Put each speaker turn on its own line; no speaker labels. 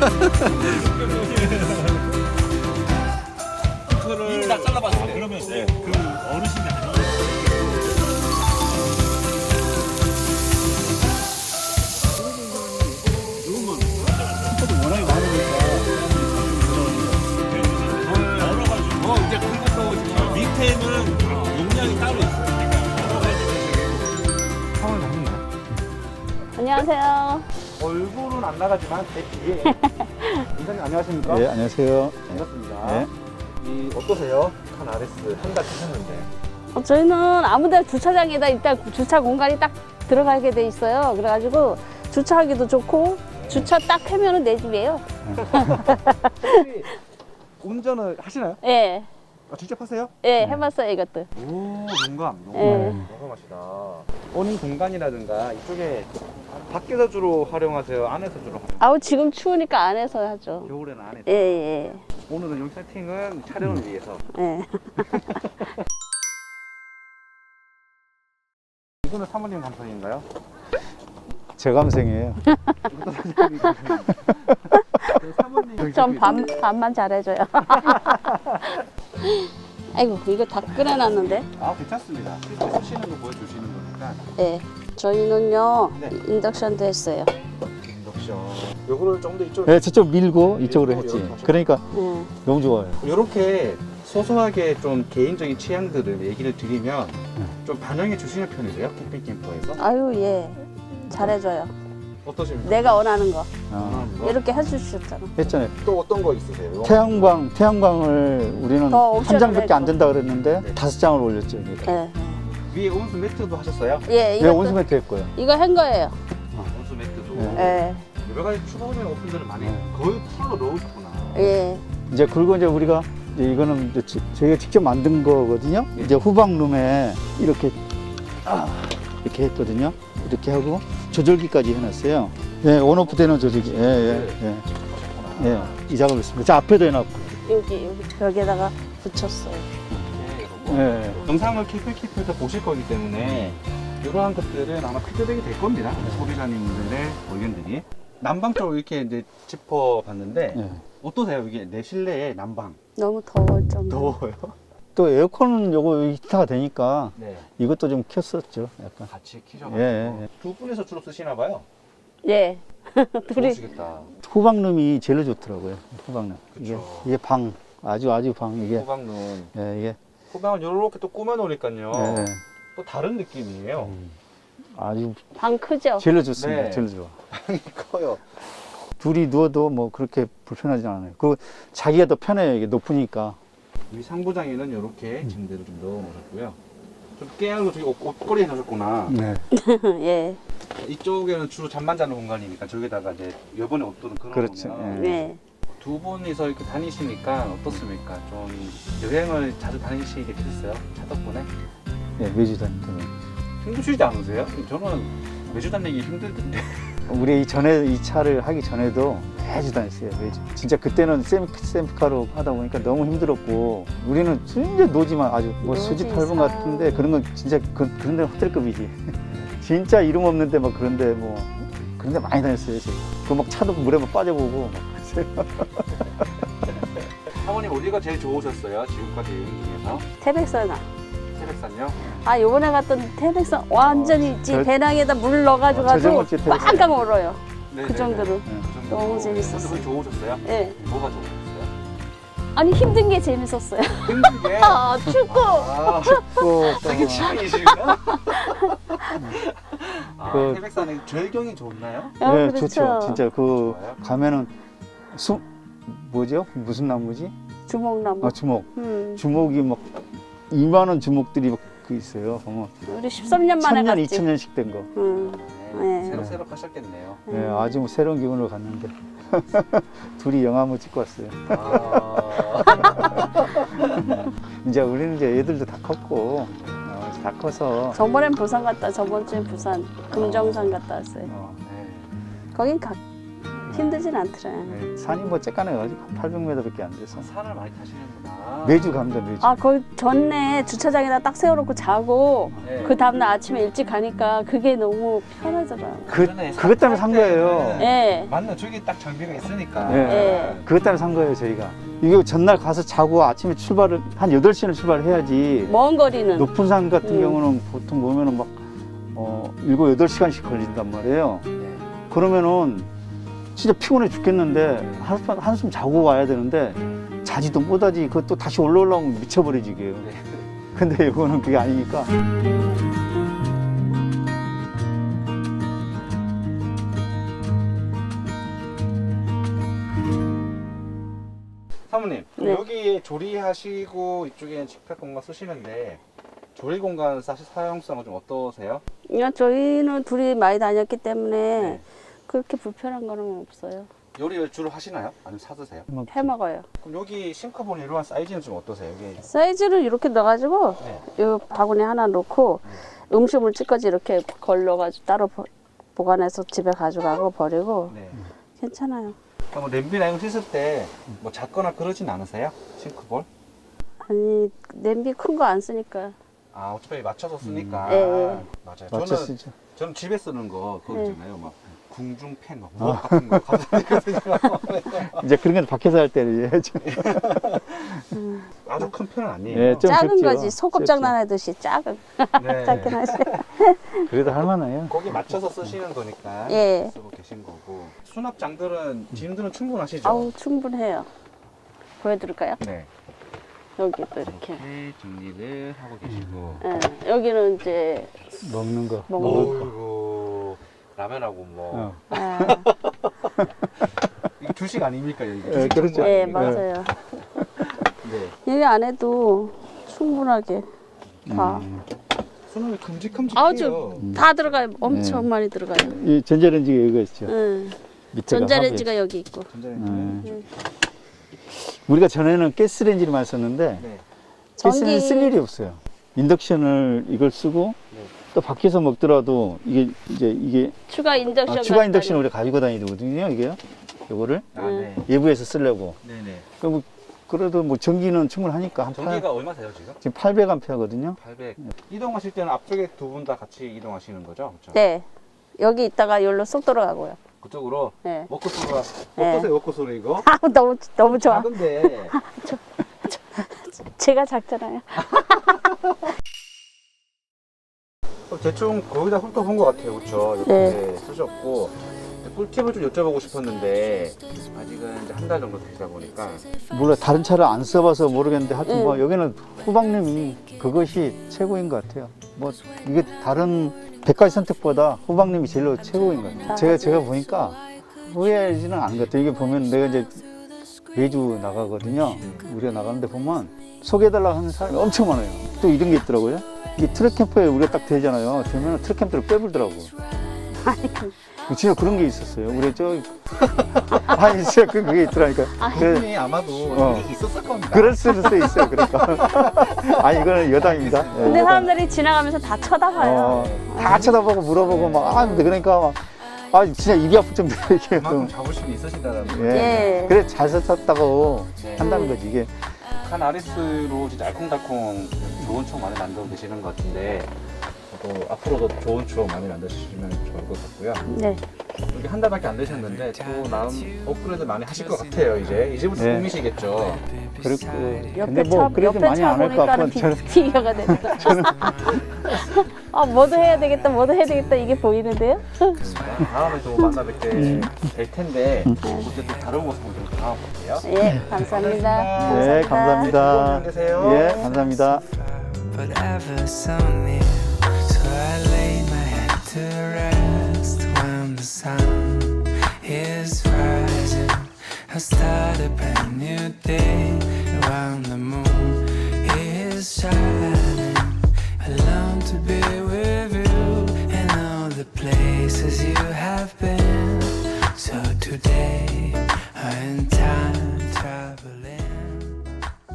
이거를 다 잘라봤어요. 그러면 네. 그 어르신이 아니에요.
워낙에 많으니까
열어가지고 이제 그리고 지금 밑에는 용량이 따로 있어요.
상황이 나는데
안녕하세요.
얼굴은 안 나가지만 제 뒤에 인사님 안녕하십니까?
네, 안녕하세요.
반갑습니다.
네.
이 어떠세요? 칸 RS 한 달 타셨는데
저희는 아무데나 주차장에다 일단 주차 공간이 딱 들어가게 돼 있어요. 그래가지고 주차하기도 좋고 주차 딱 하면은 내 집이에요.
혹시 운전을 하시나요?
예,
아, 직접 하세요?
예, 해봤어요 이것도.
오, 용감.
예.
용감하시다. 본인 공간이라든가 이쪽에 밖에서 주로 활용하세요? 안에서 주로 활용하세요?
아우 지금 추우니까 안에서 하죠.
겨울에는 안에서.
예, 예,
오늘은 여기 세팅은 촬영을 위해서.
예.
이거는 사모님 감성인가요?
제 감성이에요.
이것도 사모님 감성인가요? 사모님
좀 반만 잘해줘요. 아이고 이거 다 끓여놨는데.
아, 괜찮습니다. 실제 쓰시는 거 보여주시는 거니까.
예. 저희는요
네.
인덕션도 했어요.
인덕션. 요거를 좀 더 이쪽으로.
네, 저쪽 밀고 이쪽으로 했지.
이렇게 하셨구나.
그러니까
예.
너무 좋아요.
이렇게 소소하게 좀 개인적인 취향들을 얘기를 드리면 좀 반영해 주시는 편이세요? 캠핑 캠퍼에서?
아유 예. 잘해줘요.
어떠십니까?
내가 원하는 거
어,
이렇게 해주셨잖아.
했잖아요.
또 어떤 거 있으세요?
태양광을 우리는
더
한
옵션을
장밖에 안
해줘.
된다 그랬는데
네.
5장을 올렸죠. 여기다.
예.
위에 온수 매트도 하셨어요?
예,
네,
이것도
온수매트 했고요.
이거 한 거예요.
온수 매트도.
네.
예.
여러 가지 추가적인 옵션들을 많이
네.
거의 풀로 넣으셨구나.
예.
이제 그리고 이제 우리가 이제 이거는 이제 저희가 직접 만든 거거든요.
네.
이제 후방룸에 이렇게 이렇게 했거든요. 이렇게 하고 조절기까지 해놨어요. 예, 온오프 되는 조절기. 예, 예, 예.
하셨구나.
예, 이 작업을 했습니다. 저 앞에도 해놨고.
여기 벽에다가 붙였어요.
예.
영상을 캠핑캠프에서 보실 거기 때문에 이러한 것들은 아마 피드백이 될 겁니다. 소비자님들의 의견들이. 난방 쪽으로 이렇게 이제 짚어봤는데
예.
어떠세요? 이게 내 실내의 난방.
너무 더울 정도.
더워요?
또 에어컨은 요거 히터가 되니까
네.
이것도 좀 켰었죠. 약간.
같이 키셔가지고.
예, 예.
두 분이서 주로 쓰시나 봐요.
예. 둘이
좋으시겠다.
후방룸이 제일 좋더라고요. 후방룸. 이게,
그쵸.
이게 방, 아주 방, 이게.
후방은
예, 이게.
후방을 이렇게 또 꾸며놓으니까요.
예,
또 다른 느낌이에요.
아주
방 크죠?
제일 좋습니다.
네.
제일 좋아.
방이 커요.
둘이 누워도 뭐 그렇게 불편하지 않아요. 그 자기가 더 편해요. 이게 높으니까.
이 상부장에는 이렇게 침대를 좀 넣어놓으셨고요. 좀 깨알로 저기 옷걸이 해놓으셨구나.
네.
예.
이쪽에는 주로 잠만 자는 공간이니까 저기다가 이제 여번에 옷들은
그렇죠.
걸어놓으면
예.
두 분이서 이렇게 다니시니까 어떻습니까? 좀 여행을 자주 다니시게 되셨어요? 차 덕분에?
예, 매주 다니면.
힘드시지 않으세요? 저는 매주 다니기 힘들던데.
우리 이 차를 하기 전에도 매주 다녔어요. 매주. 진짜 그때는 셀프카로 하다 보니까 너무 힘들었고 우리는 진짜 노지만 아주 뭐 수지
노지
8분 같은데 그런 건 진짜 그런 데는 호텔급이지. 진짜 이름 없는데 막 그런데 뭐 그런데 많이 다녔어요. 그 막 차도 물에 막 빠져보고 막 그랬어요.
사모님 어디가 제일 좋으셨어요? 지금까지 여행 중에서?
태백산아.
태백산요?
아 요번에 갔던 태백산 완전히 있지.
저-
배낭에다 물 넣어가지고
저저번주에 태백산.
빵빵 얼어요.
네,
그 정도로.
그 정도.
너무 재밌었어요.
그게 좋으셨어요?
예.
뭐가 좋으셨어요?
아니 힘든 게 재밌었어요.
힘들게.
아 춥고.
아,
춥고
되게 취향이시구나. 아,
그-
태백산에 절경이 좋나요?
아,
네,
그렇죠.
좋죠. 진짜 그
좋아요?
가면은 뭐죠? 무슨 나무지?
주먹나무.
주목.
음.
주목이 막 2만 원 주목들이 막 그 있어요. 보면
우리 13년 만에
1000년,
갔지.
2000년씩 된 거.
네.
새록새록 하셨겠네요.
네, 아주 뭐 새로운 기분으로 갔는데 둘이 영화 한번 찍고 왔어요.
아,
이제 우리는 이제 애들도 다 컸고 다 커서
저번엔 부산 갔다. 저번 주엔 부산 금정산 갔다 왔어요.
어,
네.
거긴 힘들진 않더라고요.
네.
산이 뭐 쬐까네가지고 800m밖에 안 돼서
산을 많이 타시는구나.
매주 갑니다 매주.
아, 거기 전에 주차장에다 딱 세워놓고 자고
네.
그 다음날 아침에 일찍 가니까 그게 너무 편하더라고요.
그것 때문에 산 거예요.
예.
맞나 저기 딱 장비가 있으니까.
예.
예.
그것 때문에 산 거예요 저희가. 이거 전날 가서 자고 아침에 출발을 한 8시는 출발해야지.
먼 거리는.
높은 산 같은 경우는 보통 보면은 막 7, 8시간씩 걸린단 말이에요.
네.
그러면은 진짜 피곤해 죽겠는데 한숨 자고 와야 되는데 자지도 못하지. 그것도 다시 올라오려면 미쳐버리지 이게요.
네.
근데 이거는 그게 아니니까.
사모님,
네.
여기 조리하시고 이쪽에 식탁 공간 쓰시는데 조리 공간 사용성은 좀 어떠세요?
그냥 저희는 둘이 많이 다녔기 때문에
네.
그렇게 불편한 거는 없어요.
요리를 주로 하시나요? 아니면 사 드세요?
해 먹어요.
그럼 여기 싱크볼 이러한 사이즈는 좀 어떠세요? 여기
사이즈를 이렇게 넣어가지고
네.
이 바구니 하나 넣고 음식물 찌꺼기 이렇게 걸러가지고 따로 보관해서 집에 가져가고 버리고
네.
괜찮아요.
그럼 뭐 냄비나 이런 거 씻을 때 뭐 작거나 그러진 않으세요? 싱크볼?
아니 냄비 큰 거 안 쓰니까.
아 어차피 맞춰서 쓰니까.
예, 예.
맞아요.
맞춰
저는
쓰죠.
저는 집에 쓰는 거 그거
네.
있잖아요. 막 궁중팬 막 무엇 같은 거 가져다니거든요.
이제 그런 건 밖에서 할 때는 해야죠.
아주 큰 편은 아니에요.
예, 좀
작은
적죠.
거지 소꿉장난 하듯이 작은
네.
작긴 하지.
그래도 할만해요.
거기 맞춰서 쓰시는 거니까
예.
쓰고 계신 거고. 수납장들은 짐들은 충분하시죠?
아우 충분해요. 보여드릴까요?
네.
여기 또 이렇게.
이렇게 정리를 하고 계시고.
예, 여기는 이제
먹는 거.
먹는 거.
어이구 라면하고 뭐
어.
예,
이게 주식 아닙니까 여기?
예, 그렇죠.
예,
예.
맞아요.
네.
여기 안에도 충분하게 다.
수납이 큼직큼직해요.
아주 다 들어가요. 엄청
네.
많이 들어가요.
이 전자레인지가 여기가 있죠.
응.
밑에가
전자레인지가 여기 있고.
전자레인지.
네. 우리가 전에는 가스레인지를 많이 썼는데
네.
가스레인지 쓸 일이 없어요. 인덕션을 이걸 쓰고
네.
또 밖에서 먹더라도 이게
추가 인덕션.
추가 인덕션을 우리가 가지고 다니거든요. 이게요. 요거를
아, 네.
외부에서 쓰려고.
네네.
그럼 그래도 뭐 전기는 충분하니까 한
전기가 얼마세요 지금?
지금 800A거든요.
800. 이동하실 때는 앞쪽에 두 분 다 같이 이동하시는 거죠? 그렇죠?
네. 여기 있다가 여기로 쏙 들어가고요.
그쪽으로
네.
워크소가
네.
어떠세요 워크소는 이거?
아, 너무 좋아.
작은데
제가 작잖아요.
대충 거의 다 훑어본 것 같아요, 그렇죠? 이렇게
네.
쓰셨고 꿀팁을 좀 여쭤보고 싶었는데 아직은 이제 한 달 정도 되다 보니까
몰라 다른 차를 안 써봐서 모르겠는데 하여튼
응.
뭐 여기는 후방님이 그것이 최고인 것 같아요. 뭐 이게 다른 100가지 선택보다 후방님이 제일로 최고인 것 같아요. 제가 보니까 후회하지는 않은 것 같아요. 이게 보면 내가 이제 매주 나가거든요. 우리가 나가는데 보면 소개해달라고 하는 사람이 엄청 많아요. 또 이런 게 있더라고요. 이 트랙 캠프에 우리가 딱 되잖아요. 되면 트랙 캠프를 빼불더라고. 진짜 그런 게 있었어요. 우리 아니 진짜 그게 있더라니까.
그분이 아마도 일이 있었을 겁니다.
그럴 수도 있어요. 그러니까. 아니 이거는 여담입니다. 예,
근데
여담.
사람들이 지나가면서 다 쳐다봐요.
다 쳐다보고 물어보고 막 그러니까 막 진짜 입이 아플 정도로 이렇게
그만큼
좀
자부심이 있으시다는 거.
예.
그래 잘 썼다고
네.
한다는 거지 이게.
한 아리스로 진짜 알콩달콩 좋은 추억 많이 만들고 계시는 것 같은데 또 앞으로도 좋은 추억 많이 만드시면 좋을 것 같고요.
네.
여기 한 달밖에 안 되셨는데 또 나름 업그레이드 많이 하실 것 같아요. 이제부터
네.
꿈이시겠죠.
그렇고
옆에
근데 뭐 그래도
옆에
많이
차
안 할 것
보니까는
같고 저는
비교가 된다. 아, 뭐도 해야 되겠다 이게 보이는데요?
다음에 또 만나 뵙게 될 텐데 그때 또 다른 모습을 좀 담아볼게요.
예, 감사합니다.
네 감사합니다.
안녕히 계세요.
예 감사합니다.
but ever so near. So I lay my head to rest when the sun is rising. I start a brand new day around the moon.